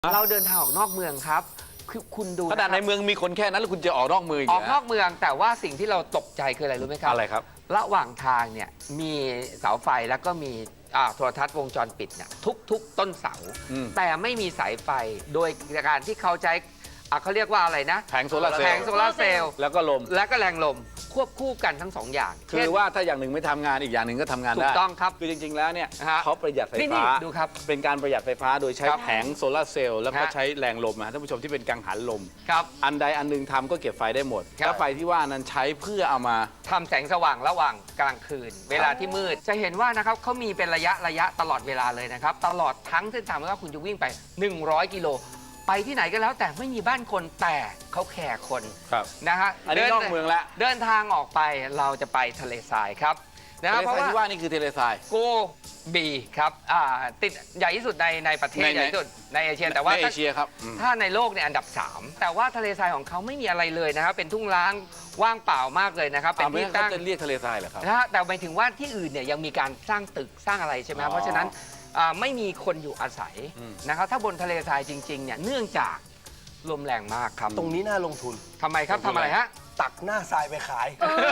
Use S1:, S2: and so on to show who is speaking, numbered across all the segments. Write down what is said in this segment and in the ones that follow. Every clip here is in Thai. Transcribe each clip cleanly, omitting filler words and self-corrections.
S1: เราเดินทางออกนอกเมืองครับคือคุณดู
S2: ขนาดในเมืองมีคนแค่นั้นแล้วคุณจะออกนอกเมือง
S1: ออกนอกเมืองแต่ว่าสิ่งที่เราตกใจคืออะไรรู้ไหมครับ
S2: อะไรครับ
S1: ระหว่างทางเนี่ยมีเสาไฟแล้วก็มีโทรทัศน์วงจรปิดเนี่ยทุกต้นเสาแต่ไม่มีสายไฟโดยการที่เขาใช้เขาเรียกว่าอะไรนะ
S2: แผงโซลาร์เซลล์
S1: แผงโซลาร์เซลล์
S2: แล้วก็ลม
S1: และก็แรงลมควบคู่กันทั้งสองอย่าง
S2: คือว่าถ้าอย่างหนึ่งไม่ทำงานอีกอย่างหนึ่งก็ทำงานได้
S1: ถูกต้องครับ
S2: คือจริงๆแล้วเนี่ยเขาประหยัดไฟฟ้า
S1: ดูครับ
S2: เป็นการประหยัดไฟฟ้าโดยใช้แผงโซลาร์เซลล์แล้วก็
S1: ฮะ
S2: ใช้แรงลมนะท่านผู้ชมที่เป็นกังหันลม
S1: ครับ
S2: อันใดอันหนึงทำก็เก็บไฟได้หมด
S1: ครับ
S2: แล้วไฟที่ว่านั้นใช้เพื่อเอามา
S1: ทำแสงสว่างระหว่างกลางคืน เวลาที่มืดจะเห็นว่านะครับเขามีเป็นระยะตลอดเวลาเลยนะครับตลอดทั้งเส้นทางไม่ว่าคุณจะวิ่งไป100 กิโลไปที่ไหนก็แล้วแต่ไม่มีบ้านคนแต่เขาแคร์คนนะฮะ
S2: อันนี้นอกเมืองแล้ว
S1: เดินทางออกไปเราจะไปทะเลทรายครับนะ
S2: เพราะว่านี่คือทะเลทราย
S1: โกบีครับติดใหญ่ที่สุดในประเทศใหญ่ที่สุดในเอเชียแต่ว่า
S2: ในเอเชียครับ
S1: ถ้าในโลกเนี่ยอันดับ 3แต่ว่าทะเลทรายของเขาไม่มีอะไรเลยนะครับเป็นทุ่งร้างว่างเปล่ามากเลยนะครับเป็นที่ตั้ง
S2: จะเรียกทะเลทรายเหรอครับ
S1: แต่หมายถึงว่าที่อื่นเนี่ยยังมีการสร้างตึกสร้างอะไรใช่ไหมเพราะฉะนั้นไม่มีคนอยู่อาศัยนะครับถ้าบนทะเลทรายจริงๆเนี่ยเนื่องจากลมแรงมากครับ
S3: ตรงนี้น่าลงทุน
S1: ทำไมครับทำอะไรฮะ
S3: ตักหน้าทรายไปขาย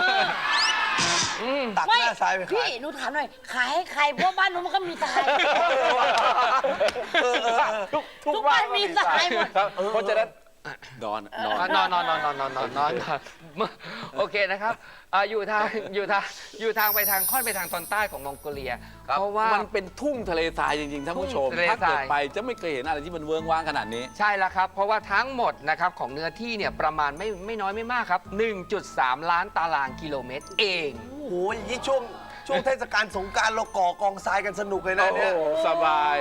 S3: ตักหน้าทรายไปขาย
S4: พี่หนูถามหน่อยขายให้ใครเพราะบ้านหนูมันก็มีทรายทุกบ้านมีทรายหมด
S2: เพราะฉะนั้นนอน
S1: โอเคนะครับอยู่ทางไปทางค่อนไปทางตอนใต้ของมองโกเลียเพราะว่า
S2: มันเป็นทุ่งทะเลทรายจริงๆท่านผู้ชมถ้าเกิดไปจะไม่เคยเห็นอะไรที่มันเวิ้งว้างขนาดนี้
S1: ใช่แล้วครับเพราะว่าทั้งหมดนะครับของเนื้อที่เนี่ยประมาณไม่น้อยไม่มากครับ 1.3 ล้านตารางกิโลเมตรเอง
S3: โอ้โหยี่ช่วงเทศกาลสงกรานต์เราก่อกองทรายกันสนุกเลยนะเนี่ย
S2: สบาย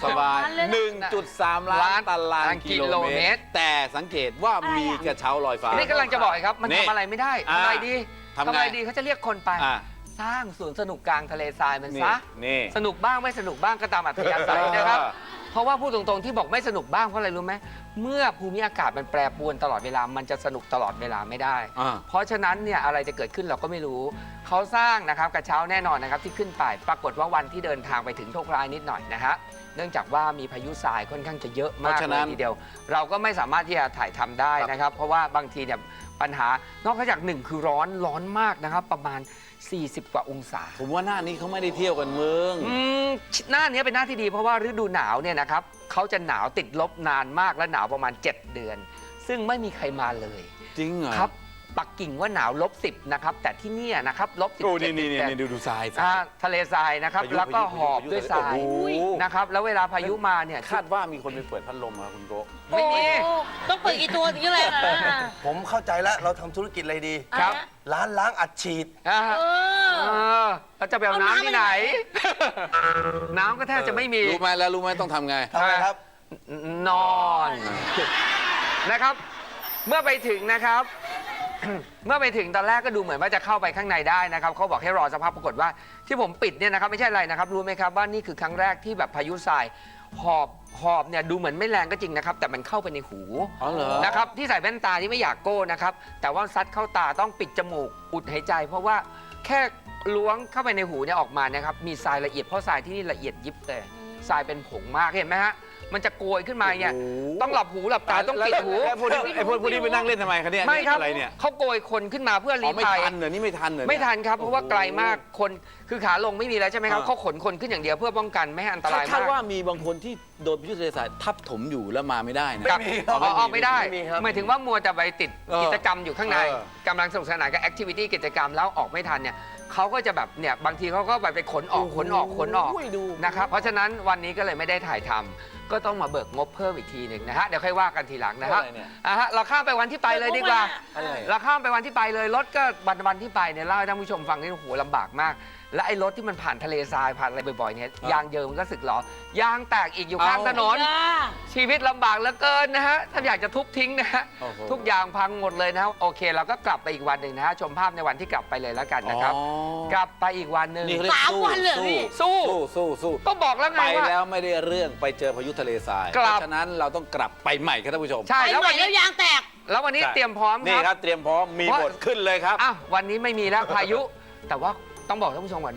S2: 1.3 ล้านตารางกิโลเมตรแต่สังเกตว่ามีกระเช้าลอยฟ้า
S1: นี่กำลังจะบอกครับมันทำอะไรไม่ได้ทำอะไรดีเขาจะเรียกคนไปสร้างสวนสนุกกลางทะเลทรายมันซะสนุกบ้างไม่สนุกบ้างก็ตามอัธยาศัยนะครับเพราะว่าพูดตรงๆที่บอกไม่สนุกบ้างเพราะอะไรรู้ไหมเมื่อภูมิอากาศมันแปรปรวนตลอดเวลามันจะสนุกตลอดเวลาไม่ได้เพราะฉะนั้นเนี่ยอะไรจะเกิดขึ้นเราก็ไม่รู้เขาสร้างนะครับกระเช้าแน่นอนนะครับที่ขึ้นไปปรากฏว่าวันที่เดินทางไปถึงโชคร้ายนิดหน่อยนะฮะเนื่องจากว่ามีพายุทรายค่อนข้างจะเยอะมากเลยทีเดียวเราก็ไม่สามารถที่จะถ่ายทำได้นะครับเพราะว่าบางทีเนี่ยปัญหานอกจาก1คือร้อนมากนะครับประมาณ40 กว่าองศา
S2: ผมว่าหน้านี้เขาไม่ได้เที่ยวกันเมือง
S1: หน้านี้เป็นหน้าที่ดีเพราะว่าฤดูหนาวเนี่ยนะครับเขาจะหนาวติดลบนานมากและหนาวประมาณ7 เดือนซึ่งไม่มีใครมาเลย
S2: จริงเหรอ
S1: ครับปักกิ่งว่าหนาว-10นะครับแต่ที่นี่นะครับ-17
S2: นี่ดูทราย
S1: ทะเลทรายนะครับแล้วก็หอบด้วยทรายนะครับแล้วเวลาพายุมาเนี่ย
S2: คาดว่ามีคนไปเปิดพัดลมมาคุณโก
S1: ไม่มี
S4: ต้องเปิดกี่ตัวถึงจะแรง
S3: ผมเข้าใจแล้วเราทำธุรกิจอะไรดี
S1: ครับ
S3: ร้านล้างอัดฉีด
S1: เราจะไปเอาน้ำที่ไหนน้ำก็แทบจะไม่มี
S2: รู้ไหมต้องทำไง
S3: ทำไงครับ
S1: นอนนะครับเมื่อไปถึงนะครับเมื่อไปถึงตอนแรกก็ดูเหมือนว่าจะเข้าไปข้างในได้นะครับเขาบอกให้รอสภาพปรากฏว่าที่ผมปิดเนี่ยนะครับไม่ใช่อะไรนะครับรู้ไหมครับว่านี่คือครั้งแรกที่แบบพายุทรายหอบเนี่ยดูเหมือนไม่แรงก็จริงนะครับแต่มันเข้าไปในหูนะครับที่ใส่แว่นตาที่ไม่อยากโก้นะครับแต่ว่าซัดเข้าตาต้องปิดจมูกอุดหายใจเพราะว่าแค่ล้วงเข้าไปในหูเนี่ยออกมานะครับมีทรายละเอียดเพราะทรายที่นี่ละเอียดยิบเลยทรายเป็นผงมากเห็นไหมฮะมันจะโกยขึ้นมาเนี่ยต้องหลับหูหลับตาต้องปิดหู
S2: พวกนี้ไปนั่งเล่นทำไมคะเนี่ย
S1: ไม่ครับเขาโกยคนขึ้นมาเพื่อลี้ภัย
S2: ไม่ทันเหรอนี่ไม่ทันเหรอ
S1: ไม่ทันครับเพราะว่าไกลมากคนคือขาลงไม่มีแล้วใช่ไหมครับเขาขนคนขึ้นอย่างเดียวเพื่อป้องกันไม่ให้อันตรายมาก
S2: คาดว่ามีบางคนที่โดนพายุทะเลทรายทับถมอยู่แล้วมาไม่ได้นะ
S1: ออกไม่ได้หมายถึงว่ามัวแต่ไปติดกิจกรรมอยู่ข้างในกำลังสนุกสนานกับแอคทิวิตี้กิจกรรมแล้วออกไม่ทันเนี่ยเขาก็จะแบบเนี่ยบางทีเขาก็ไปขนออกนะครับเพราะฉะนั้นวันนี้ก็เลยไม่ได้ถ่ายทำก็ต้องมาเบิกงบเพิ่มอีกทีหนึ่งนะฮะเดี๋ยวค่อยว่ากันทีหลังนะครับเราข้ามไปวันที่ไปเลยดีกว่าเราข้ามไปวันที่ไปเลยรถก็วันที่ไปเนี่ยเล่าให้ท่านผู้ชมฟังนี่โอ้โหลำบากมากและไอ้รถที่มันผ่านทะเลทรายผ่านอะไรบ่อยๆเนี่ยยางเยิมมันก็สึกหรอยางแตกอีกอยู่ข้างถนนชีวิตลำบากเหลือเกินนะฮะถ้าอยากจะทุบทิ้งนะฮะทุกอย่างพังหมดเลยนะโอเคเราก็กลับไปอีกวันหนึ่งนะฮะชมภาพในวันที่กลับไปเลยแล้วกันนะครับกลับไปอีกวันหนึ่ง
S4: 3 วันเลยพี่
S1: สู้ก็บอกแล้วไง
S2: ว่า
S1: ไป
S2: แล้วไม่ได้เรื่องไปเจอพายุทะเลทรายเพราะฉะนั้นเราต้องกลับไปใหม่ครับท่านผู้ชม
S1: ใช่
S4: แล้ววันนี้ยางแตก
S1: แล้ววันนี้เตรียมพร้อม
S2: นี่ครับเตรียมพร้อมมีบทขึ้นเลยครับ
S1: วันนี้ไม่มีแล้วพายุแต่ว่าต้องบอกท่านผู้ชมก่อนนะ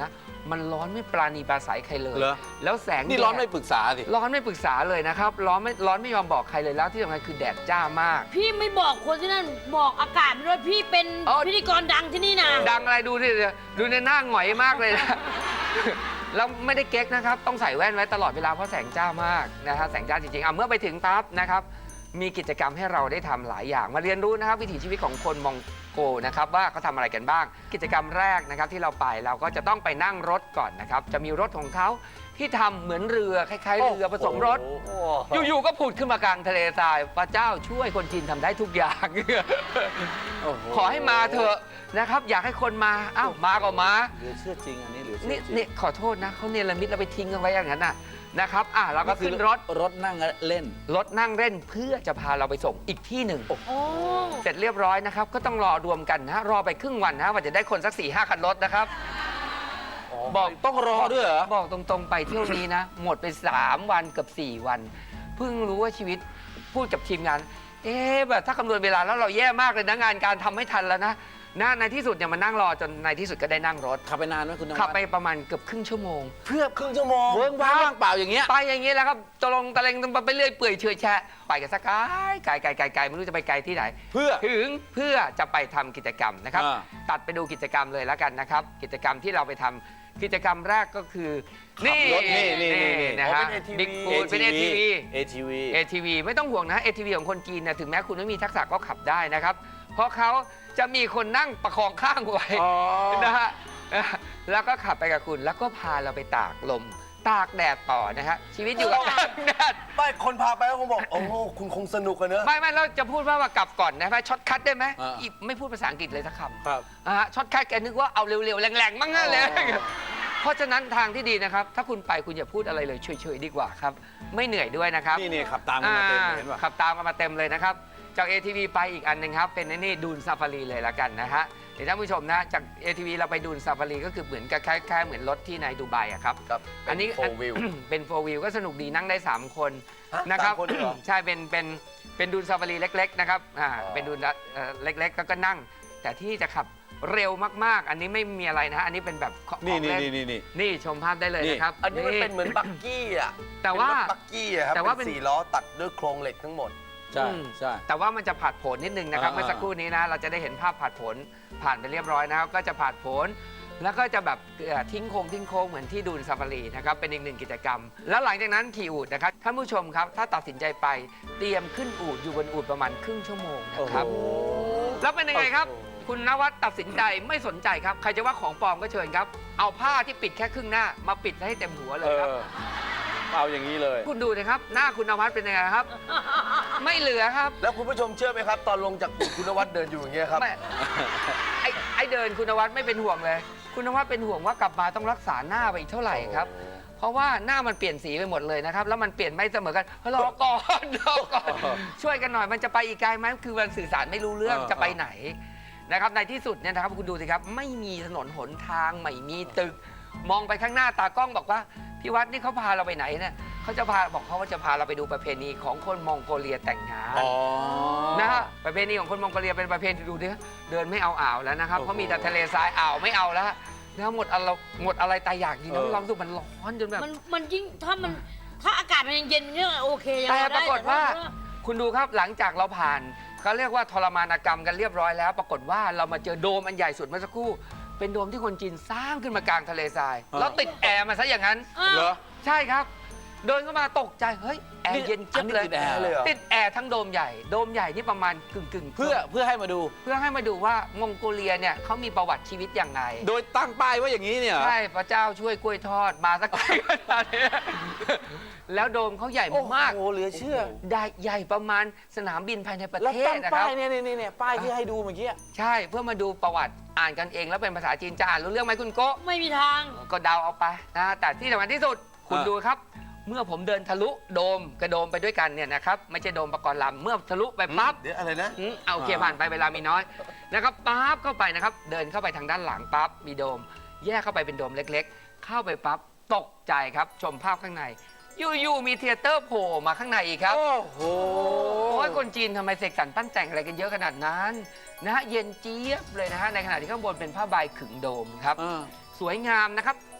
S1: มันร้อนไม่ปราณีปราศัยใครเลย
S2: เหรอ
S1: แล้วแสง
S2: นี่ร้อน
S1: แดด
S2: ไม่ปรึกษาสิ
S1: ร้อนไม่ปรึกษาเลยนะครับร้อนไม่ยอมบอกใครเลยแล้วที่สำคัญคือแดดจ้ามาก
S4: พี่ไม่บอกคนที่นั่นบอกอากาศไปด้วยพี่เป็น
S1: อ๋อ
S4: พิธีกรดังที่นี่นะ
S1: ดังอะไรดูดิดูในหน้าหงอยมากเลยนะ แล้วไม่ได้เก๊กนะครับต้องใส่แว่นไว้ตลอดเวลาเพราะแสงจ้ามากนะฮะแสงจ้าจริงๆเมื่อไปถึงปั๊บนะครับมีกิจกรรมให้เราได้ทำหลายอย่างมาเรียนรู้นะครับวิถีชีวิตของคนมองโกนะครับว่าเขาทำอะไรกันบ้าง กิจกรรมแรกนะครับที่เราไปเราก็จะต้องไปนั่งรถก่อนนะครับจะมีรถของเขาที่ทำเหมือนเรือคล้ายๆเรือผสมรถ อยู่ๆก็ผุดขึ้นมากลางทะเลทรายพระเจ้าช่วยคนจีนทำได้ทุกอย่าง
S2: โอ้โห
S1: ขอให้มาเถอะนะครับอยากให้คนมาอ้าวมาก็มา
S2: เหลือเชื่อจริงอันนี้เหลือเชื่อจริง
S1: นี่ขอโทษนะเขาเนรมิตแล้วไปทิ้งกันไว้อย่างนั้นนะครับเราก็ขึ้นรถ
S2: รถนั่งเล่น
S1: รถนั่งเล่นเพื่อจะพาเราไปส่งอีกที่หนึ่ง
S4: โอ้
S1: เสร็จเรียบร้อยนะครับก็ต้องรอรวมกันนะรอไปครึ่งวันนะว่าจะได้คนสัก 4-5 คันรถนะครับบอก
S2: ต้องรอด้วยเหรอ
S1: บอกตรงๆไปเที่ยวนี้นะ หมดไป 3 วันกับ 4 วัน เพิ่งรู้ว่าชีวิตพูดกับทีมงานแบบถ้าคำนวณเวลาแล้วเราแย่มากเลยนะงานการทำไม่ทันแล้วนะในที่สุดเนี่ยมานั่งรอจนในที่สุดก็ได้นั่งรถ
S2: ขับไปนานไหมคุณนวัด
S1: ขับไปประมาณเกือบครึ่งชั่วโมง
S3: เพื่อครึ่งชั่วโมง
S2: เวิ้งว้างเปล่าอย่างเงี้ย
S1: ไปอย่างนี้แหล้วครับตะลงตะเลงไปเรื่อยเปื่อยเฉอยแฉะไปกันสักไกลไม่รู้จะไปไกลที่ไหน
S2: เพื่อ
S1: ถึงเพื่อจะไปทำกิจกรรมนะครับ
S2: อ่า
S1: ตัดไปดูกิจกรรมเลยแล้วกันนะครับ กิจกรรมที่เราไปทำกิจกรรมแรกก็คือนี่
S2: รถนี่
S1: นะฮะ
S3: เป็น ATV
S1: บิ๊กฟูดเป็น ATV
S2: ATV
S1: ATV ไม่ต้องห่วงนะ ATV ของคนจีนนะถึงแม้คุณไม่มีทักษะก็ขับได้นะครับ เพราะเขาจะมีคนนั่งประคองข้างไว้
S2: อ๋อ
S1: นะฮะแล้วก็ขับไปกับคุณแล้วก็พาเราไปตากลม ตากแดดต่อนะฮะชีวิตอยู่กับตากแดด
S3: ไม่คนพาไปก็คงบอก โอ้โหคุณคงสนุกกันเนอะ
S1: ไม่เราจะพูดว่ากลับก่อนนะช็อตคัทได้ไหม
S2: อ่า
S1: อีไม่พูดภาษาอังกฤษเลยสักคำ
S2: ครับ
S1: ช็อตคัทแกนึกว่าเอาเร็วๆแรงๆมั่งเลย เพราะฉะนั้นทางที่ดีนะครับ ถ้าคุณไปคุณอย่าพูดอะไรเลยเฉยๆดีกว่าครับ ไม่เหนื่อยด้วยนะครับ
S2: นี่ขับตามกันมาเต็มเห็นป่ะ
S1: ขับตามกันมาเต็มเลยนะครับ จาก ATV ไปอีกอันหนึ่งครับ เป็นนี่ดูนซาฟารีเลยละกันนะฮะเดี๋ยวท่านผู้ชมนะจาก ATV เราไปดูนซาฟารีก็คือเหมือนกับคล้ายๆเหมือนรถที่ในดูไบอะครับ
S3: ครับ
S1: อันนี้
S3: โฟวิว
S1: เป็นโฟวิวก็สนุกดีนั่งได้ 3 คน
S3: ฮะ
S1: นะครับ
S3: 3 คนเหรอ
S1: ใช่เป็นดูนซาฟารีเล็กๆนะครับเป็นดูนเล็กๆแล้วก็นั่ง แต่ที่จะขับเร็วมากๆ อันนี้ไม่มีอะไรนะฮะอันนี้เป็นแบบของ
S2: นี่
S1: เล่น นี่ชมภาพได้เลยนะครับ
S3: อันนี้มันเป็นเหมือนบักกี้อ่ะ
S1: แต่ว่า
S3: เป็นรถบักกี้อะครับ
S1: แต่ว่า
S3: เป็น
S1: เป็น
S3: 4 ล้อตัดด้วยโครงเหล็กทั้งหมด
S2: ใช่ใช่
S1: แต่ว่ามันจะผ่านผลนิดนึงนะครับ
S2: อ่า
S1: เมื่อสักครู่นี้นะเราจะได้เห็นภาพผ่านผลผ่านไปเรียบร้อยนะครับก็จะผ่านผล แล้วก็จะแบบทิ้งโค้งเหมือนที่ดูนซาฟารีนะครับเป็นอีกหนึ่งกิจกรรม แล้วหลังจากนั้นขี่อูฐนะครับท่านผู้ชมครับถ้าตัดสินใจไปเตรียมขึ้นอูฐอยู่บนอูฐประมาณครึ่งชั่วโมงนะครับ
S2: โอ้โห
S1: แล้วเป็นยังไงครับ คุณนวัดตัดสินใจไม่สนใจครับ ใครจะว่าของปลอมก็เชิญครับ เอาผ้าที่ปิดแค่ครึ่งหน้ามาปิดให้เต็มหัวเลยครับ
S2: เอาอย่างนี้เลย
S1: คุณดูนะครับ หน้าคุณนวัดเป็นยังไงครับ ไม่เหลือครับ
S3: แล้วคุณผู้ชมเชื่อไหมครับ ตอนลงจากอู่คุณนวัดเดินอยู่อย่างเงี้ยครับ
S1: ไม่ไอเดินคุณนวัดไม่เป็นห่วงเลย คุณนวัดเป็นห่วงว่ากลับมาต้องรักษาหน้าไปอีกเท่าไหร่ครับ เพราะว่าหน้ามันเปลี่ยนสีไปหมดเลยนะครับ แล้วมันเปลี่ยนไม่เสมอกันรอก่อนรอก่อนช่วยกันหน่อยมันจะไปอีกไกลไหมคือมันสื่อสารไม่รู้เรื่องจะไปไหนนะครับในที่สุดเนี่ยนะครับคุณดูสิครับไม่มีถนนหนทางไม่มีตึก มองไปข้างหน้าตากล้องบอกว่าพี่วัดนี่เขาพาเราไปไหนเนี่ยเขาจะพาบอกเขาว่าจะพาเราไปดูประเพณีของคนมองโกเลียแต่งงานนะฮะประเพณีของคนมองโกเลียเป็นประเพณีดูดิเดินไม่เอาอ่าวแล้วนะครับเพราะมีแต่ทะเลทรายอ่าวไม่เอาแล้วแล้วหมดอะไรตายอยากจริงนะความรู้สึกมันร้อนจนแบบ
S4: มันยิ่งถ้าอากาศมันเย็นเนี่ยโอเคยัง
S1: แต่
S4: ไง
S1: ป
S4: ได้
S1: รากฏว่าคุณดูครับหลังจากเราผ่านเขาเรียกว่าทรมานกรรมกันเรียบร้อยแล้ว ปรากฏว่าเรามาเจอโดมอันใหญ่สุดเมื่อสักครู่ เป็นโดมที่คนจีนสร้างขึ้นมากลางทะเลทราย แล้วติดแอร์มาซะอย่างนั้น
S2: เหรอ
S1: ใช่ครับ เดินเข้ามาตกใจเฮ้ยแอร์เย็นจิ๊บเลย
S2: อันนี้ติดแอร์เลยเหรอ
S1: ติดแอร์ทั้งโดมใหญ่โดมใหญ่นี่ประมาณกึ่ง
S2: เพื่อให้มาดู
S1: เพื่อให้มาดูว่ามองโกเลียเนี่ยเขามีประวัติชีวิตอย่างไร
S2: โดยตั้งป้ายไว่าอย่างนี้เนี่ยเหรอ
S1: ใช่พระเจ้าช่วยกล้วยทอดมาสักไกลขนาดนี้แล้วโดมเขาใหญ่มาก
S2: โอ้โหเหลือเชื่อ
S1: ใหญ่ประมาณสนามบินภายในประ
S2: แล้ว
S1: เทศ
S2: ตั้ง
S1: นะค
S2: ป้า
S1: รับ
S2: ยเนี่ยป้ายที่ให้ดูเมื่อกี้
S1: ใช่เพื่อมาดูประวัติอ่านกันเองแล้วเป็นภาษาจีนจะอ่านรู้เรื่องไหมคุณโก้
S4: ไม่มีทาง
S1: ก็เดาเอาไปนะแต่ที่สำคัญที่สุดคุณดูครับ เมื่อผมเดินทะลุโดมกระโดมไปด้วยกันเนี่ยนะครับไม่ใช่โดมประกรณ์ลำเมื่อทะลุไปปั๊บ
S3: เดี๋ยวอะไรนะ
S1: เอาโอเคผ่านไปเวลามีน้อยนะครับปั๊บเข้าไปนะครับเดินเข้าไปทางด้านหลังปั๊บมีโดม แยกเข้าไปเป็นโดมเล็กๆ เข้าไปปั๊บตกใจครับชมภาพข้างในอยู่ๆมีเธียเตอร์โผล่มาข้างในอีกครับ
S2: โอ้โห
S1: โอ้ยคนจีนทำไมเสกสรรปั้นแต่งอะไรกันเยอะขนาดนั้นนะฮะเย็นเจี๊ยบเลยนะฮะในขณะที่ข้างบนเป็นผ้าใบขึงโดมครับ สวยงามนะครับ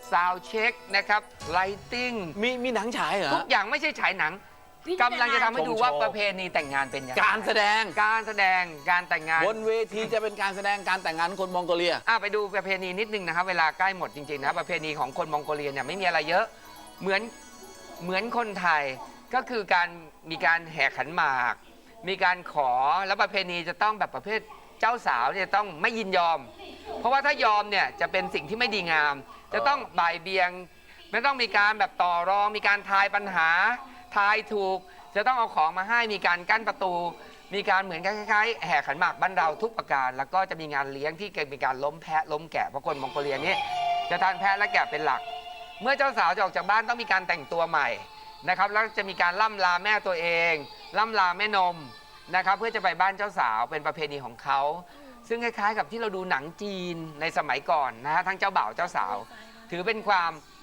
S1: ซาวเช็คนะครับไลติ้ง
S2: มีหนังฉายเหรอ
S1: ทุกอย่างไม่ใช่ฉายหนังกำลังจะทำให้ดูว่าประเพณีแต่งงานเป็นยังไง
S2: การแสดง
S1: การแต่งงาน
S2: บนเวทีจะเป็นการแสดงการแต่งงานของคนมองโกเลีย
S1: ไปดูประเพณีนิดนึงนะครับเวลาใกล้หมดจริงๆนะครับประเพณีของคนมองโกเลียเนี่ยไม่มีอะไรเยอะเหมือนคนไทยก็คือมีการแห่ขันหมาก มีการขอแล้วประเพณีจะต้องแบบประเภทเจ้าสาวเนี่ยต้องไม่ยินยอม เพราะว่าถ้ายอมเนี่ยจะเป็นสิ่งที่ไม่ดีงาม จะต้องบ่ายเบียงไม่ต้องมีการแบบต่อรองมีการทายปัญหาทายถูกจะต้องเอาของมาให้มีการกั้นประตู มีการเหมือนคล้ายๆแห่ขันหมากบ้านเราทุกประการแล้วก็จะมีงานเลี้ยงที่เป็นการล้มแพะล้มแกะเพราะคนมองโกเลียนี่จะทานแพะและแกะเป็นหลัก เมื่อเจ้าสาวจะออกจากบ้านต้องมีการแต่งตัวใหม่นะครับแล้วจะมีการล่ำลาแม่ตัวเองล่ำลาแม่นมนะครับเพื่อจะไปบ้านเจ้าสาวเป็นประเพณีของเขาซึ่งคล้ายๆกับที่เราดูหนังจีนในสมัยก่อนนะฮะทั้งเจ้าบ่าวเจ้าสาวถือเป็นความ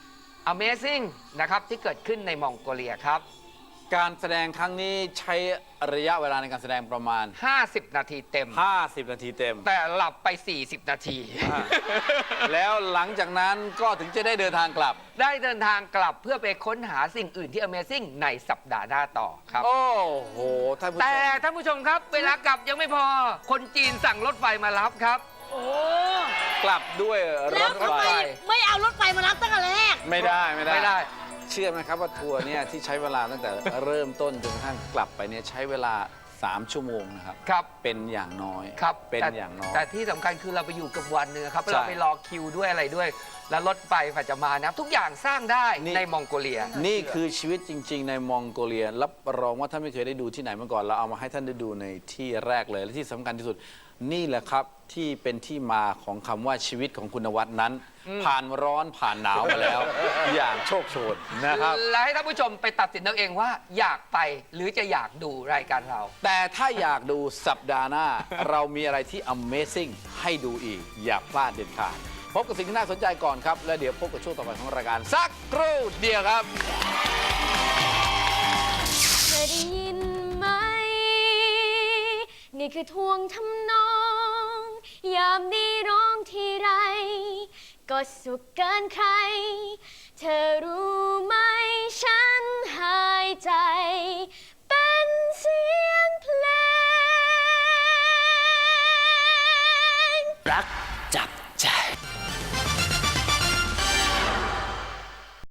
S1: Amazing นะครับที่เกิดขึ้นในมองโกเลียครับ
S2: การแสดงครั้งนี้ใช้ระยะเวลาในการแสดงประมาณ
S1: 50 นาทีเต็ม
S2: 50 นาทีเต็ม
S1: แต่หลับไป 40 นาที
S2: แล้วหลังจากนั้นก็ถึงจะได้เดินทางกลับ
S1: ได้เดินทางกลับเพื่อไปค้นหาสิ่งอื่นที่ Amazing ในสัปดาห์หน้าต่อครับ
S2: โอ้โหท่านผู้ช
S1: แต่
S2: ม
S1: ท่านผู้ชมครับ เวลากลับยังไม่พอ คนจีนสั่งรถไฟมารับครับ
S4: โอ้
S2: กลับด้วยร
S4: แล้ว
S2: ถ
S4: ทำ
S2: ไฟ
S4: ไมไม่เอารถไฟมารับตั้งแต่แรก
S2: ไม่ได้
S1: ไม่ได้
S2: เชื่อไหมครับว่าทัวร์เนี่ยที่ใช้เวลาตั้งแต่เริ่มต้นจนกระทั่งกลับไปเนี่ยใช้เวลา 3 ชั่วโมงนะครับ
S1: ครับ
S2: เป็นอย่างน้อย
S1: ครับ
S2: เป็น
S1: แต่
S2: อย่างน้อย
S1: แต่ที่สำคัญคือเราไปอยู่กับวันเนื้อครับ
S2: ใช่
S1: เราไปรอคิวด้วยอะไรด้วย แล้วรถไฟฝ่าจะมานะครับทุกอย่างสร้างได้
S2: นี่
S1: ในมองโกเลีย
S2: นี่คือชีวิตจริง ๆ ในมองโกเลียรับรองว่าท่านไม่เคยได้ดูที่ไหนมาก่อนเราเอามาให้ท่านได้ดูในที่แรกเลยและที่สำคัญที่สุดนี่แหละครับที่เป็นที่มาของคำว่าชีวิตของคุณนวัดนั้น ผ่านร้อนผ่านหนาวมาแล้ว อย่างโชคโชนนะครับ
S1: และให้ท่านผู้ชมไปตัดสินเอาเองว่าอยากไปหรือจะอยากดูรายการเรา
S2: แต่ถ้าอยากดูสัปดาห์หน้า เรามีอะไรที่ Amazing ให้ดูอีก อย่าพลาดเด็ดขาดพบกับสิ่งที่น่าสนใจก่อนครับ แล้วเดี๋ยวพบกับช่วงต่อไปของรายการสักครู่เดียวครับ
S5: เคยได้ยินไหม นี่คือทวงทำนอง ยามนี้ร้องทีไร ก็สุขเกินใคร เธอรู้ไหมฉันหายใจ